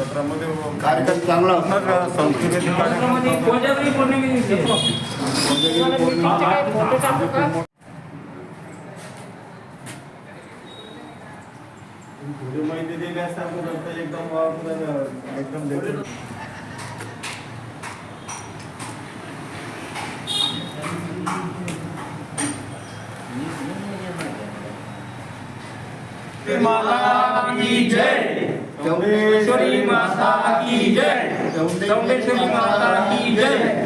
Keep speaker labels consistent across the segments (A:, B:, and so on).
A: सत्रामध्ये
B: कार्यक्रम चांगला होता.
A: संस्कृती थोडी माहिती दिली असतात एकदम देखील
C: माता की जय, चौंडेश्वरी माता की जय, चौंडेश्वरी माता की जय,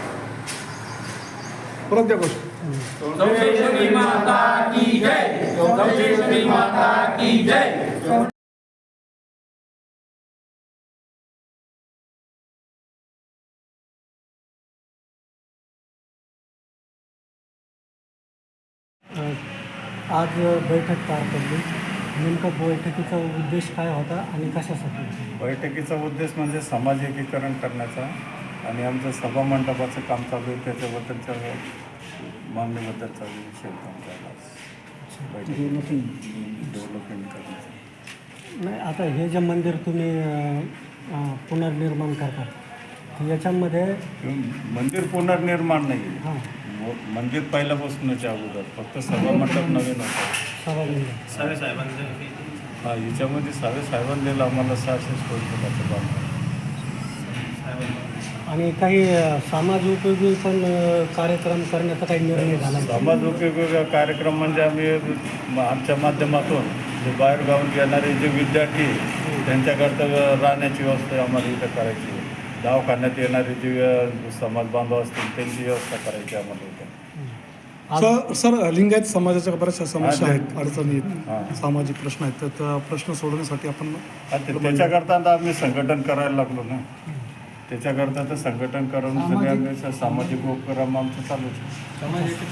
C: चौंडेश्वरी माता की जय, चौंडेश्वरी माता की जय.
D: आज बैठक पार पडली. नेमकं बैठकीचा उद्देश काय होता आणि कशासाठी?
A: बैठकीचा उद्देश म्हणजे समाज एकीकरण करण्याचा आणि आमचं सभा मंडपाचं काम चालू आहे त्याच्याबद्दलच्या मागणीबद्दलचा विषय डेव्हलपमेंट करण्याचा.
D: नाही, आता हे जे मंदिर तुम्ही पुनर्निर्माण करता याच्यामध्ये
A: मंदिर पुनर्निर्माण नाही
D: हां
A: मंदिर पहिल्यापासूनच अगोदर फक्त सभा मंडप नवीन होतं.
D: सभागृह
A: हां याच्यामध्ये साहेबांनी दिलं आम्हाला 600 स्क्वेअर फुटाचं बांधकाम.
D: आणि काही समाज उपयोगी पण कार्यक्रम करण्याचा काही निर्णय झाला.
A: समाज उपयोगी कार्यक्रम म्हणजे आम्ही आमच्या माध्यमातून जे बाहेरगावून येणारे जे विद्यार्थी त्यांच्याकरता राहण्याची व्यवस्था आम्हाला इथं करायची. दवाखान्यात येणारे जे समाज बांधव असतील त्यांची व्यवस्था करायची आम्हाला इथं.
E: सर लिंगायत समाजाच्या बऱ्याचशा समस्या आहेत, अडचणी
A: हां.
E: आहेत, सामाजिक प्रश्न आहेत. तर त्या प्रश्न सोडवण्यासाठी आपण
A: त्याच्याकरता आता आम्ही संघटन करायला लागलो ना. त्याच्याकरता तर संघटन करून सगळे आम्ही सामाजिक उपक्रम आमचं चालूच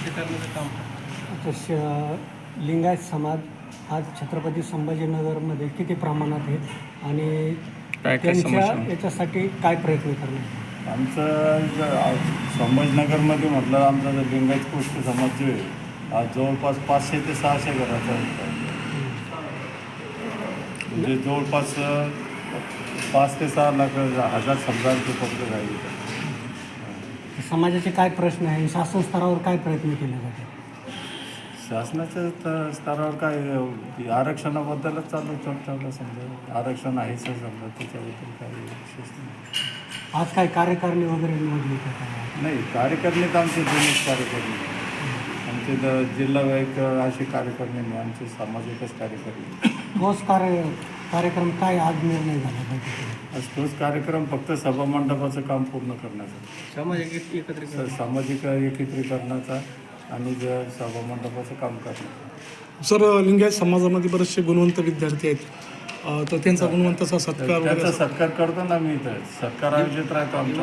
D: आता लिंगायत समाज आज छत्रपती संभाजीनगरमध्ये किती प्रमाणात आहेत आणि त्यांच्या याच्यासाठी काय प्रयत्न करणार?
A: आमचं संभाजीनगरमध्ये म्हटलं आमचा जर लिंगायत गोष्ट समाज जो आहे आज जवळपास 500 ते 600 घराचा म्हणजे जवळपास 5 ते 6 लाख हजार समजांचे पत्र राहिले.
D: समाजाचे काय प्रश्न आहे, शासन स्तरावर काय प्रयत्न केले जाते?
A: शासनाच्या स्तरावर काय आरक्षणाबद्दलच चालू समजा आरक्षण आहेच समजा त्याच्याबद्दल काही विशेष नाही.
D: आज काय कार्यकारिणी वगैरे निवडली का काय?
A: नाही कार्यकारिणी तर आमचे जुनेच कार्यकारिणी आमचे जिल्हावाईक असे कार्यकारिणी नाही आमचे सामाजिकच कार्यकारिणी.
D: ठोस कार्यक्रम काय आज निर्णय झाला पाहिजे?
A: तोच कार्यक्रम फक्त सभा मंडपाचं काम पूर्ण करण्याचा सामाजिक एकत्रीकरणाचा आणि सभा मंडपाचं काम करण्याचं.
E: सर लिंगायत समाजामध्ये बरेचसे गुणवंत विद्यार्थी आहेत, तर त्यांचा गुणवंताचा सत्कार
A: त्याचा सत्कार करतो ना मी इथं सत्कार आयोजित राहतो आमच्या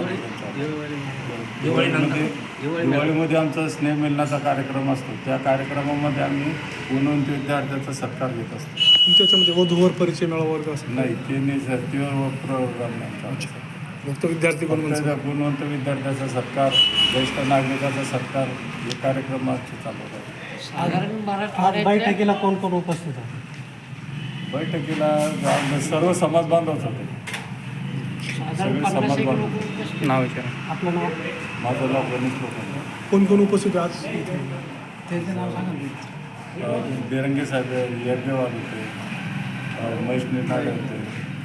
A: दिवाळीमध्ये आमचा स्नेह मिलनाचा कार्यक्रम असतो. त्या कार्यक्रमामध्ये आम्ही गुणवंत विद्यार्थ्याचा सत्कार घेत असतो.
E: तुमच्या याच्यामध्ये वधूवर परिचय मेळावा वर्ग असतो?
A: नाही ते नाही सर ते प्रोग्राम नाही.
E: फक्त विद्यार्थी
A: गुणवंत विद्यार्थ्याचा सत्कार ज्येष्ठ नागरिकाचा सत्कार हे कार्यक्रम आजचे चालू आहे.
D: आज बैठकीला कोण कोण उपस्थित आहे?
A: बैठकीला सर्व समाज बांधवच होते. सगळे समाज बांधव.
E: नाव विचारा.
D: आपलं नाव?
A: माझं नाव गणेश लोखंडे.
E: कोण कोण उपस्थित आहे आज?
D: त्यांचं नाव सांगा.
A: बेरंगे साहेब यज्ञवाल होते, महेश निर्नाळे होते,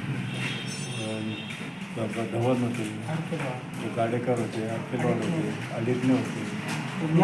A: धवन होते, गाडेकर होते, अखिलवाड होते, अलिग्ने होते.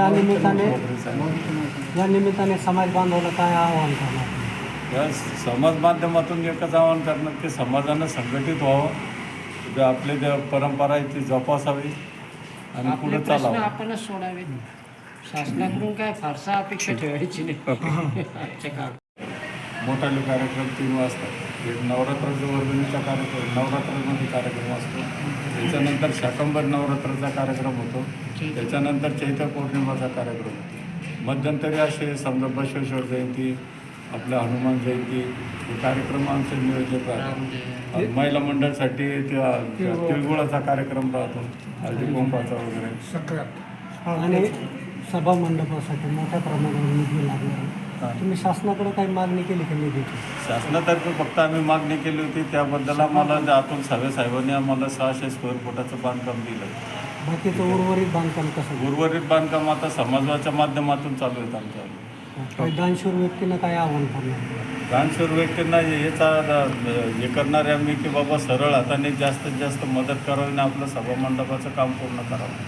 D: या निमित्ताने समाज बांधवाला काय आवाहन करणार?
A: या समाज माध्यमातून एकच आवाहन करणार की समाजानं संघटित व्हावं, जे आपले ज्या परंपरा आहेत ती जोपासावी आणि पुढे चालावं.
F: आपणच सोडावे. शासनाकडून काय फारसा अपेक्षा ठेवायची नाही.
A: मोठाले कार्यक्रम 3 वाजता. एक नवरात्राचा वर्गणीचा कार्यक्रम नवरात्रामध्ये कार्यक्रम असतो. त्याच्यानंतर शाकंभर नवरात्राचा कार्यक्रम होतो. त्याच्यानंतर चैत्र पौर्णिमाचा कार्यक्रम होतो. मध्यंतरी असे समजा बसवेश्वर जयंती आपल्या हनुमान जयंती हे कार्यक्रम आमचे नियोजित राहतात. महिला मंडळासाठी तिळगुळाचा कार्यक्रम राहतो, हळदी कुंकवाचा वगैरे.
D: आणि सभा मंडपासाठी मोठ्या प्रमाणावर निधी लागणार. तुम्ही शासनाकडे काही मागणी केली का निधीची?
A: शासनातर्फे फक्त आम्ही मागणी केली होती, त्याबद्दल आम्हाला अतुल सावे साहेबांनी आम्हाला 600 स्क्वेअर फुटाचं बांधकाम दिलं.
D: बाकीचं उर्वरित बांधकाम कसं?
A: उर्वरित बांधकाम आता समाजाच्या माध्यमातून चालू आहेत आमच्या.
D: काही दानशूर व्यक्तींना काय आव्हान करणार?
A: दानशूर व्यक्तींना याचा हे करणारे आम्ही की बाबा सरळ हाताने जास्तीत जास्त मदत करावी आणि आपलं सभामंडपाचं काम पूर्ण करावं.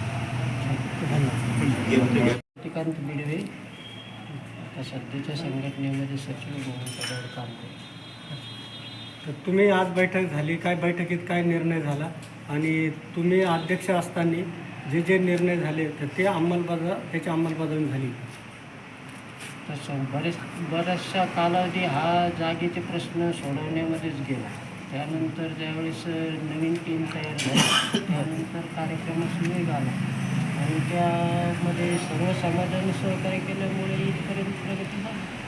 F: श्रीकांत बिडवे आता सध्याच्या संघटनेमध्ये सचिव म्हणून पदावर काम करतो.
D: तर तुम्ही आज बैठक झाली, काय बैठकीत काय निर्णय झाला आणि तुम्ही अध्यक्ष असताना जे जे निर्णय झाले तर त्याची अंमलबजावणी झाली?
F: तसं बराचसा कालावधी हा जागेचे प्रश्न सोडवण्यामध्येच गेला. त्यानंतर ज्यावेळेस नवीन टीम तयार झाली त्यानंतर कार्यक्रमास वेग आला आणि त्यामध्ये सर्व समाजाने सहकार्य केल्यामुळे इथपर्यंत प्रगती झाली.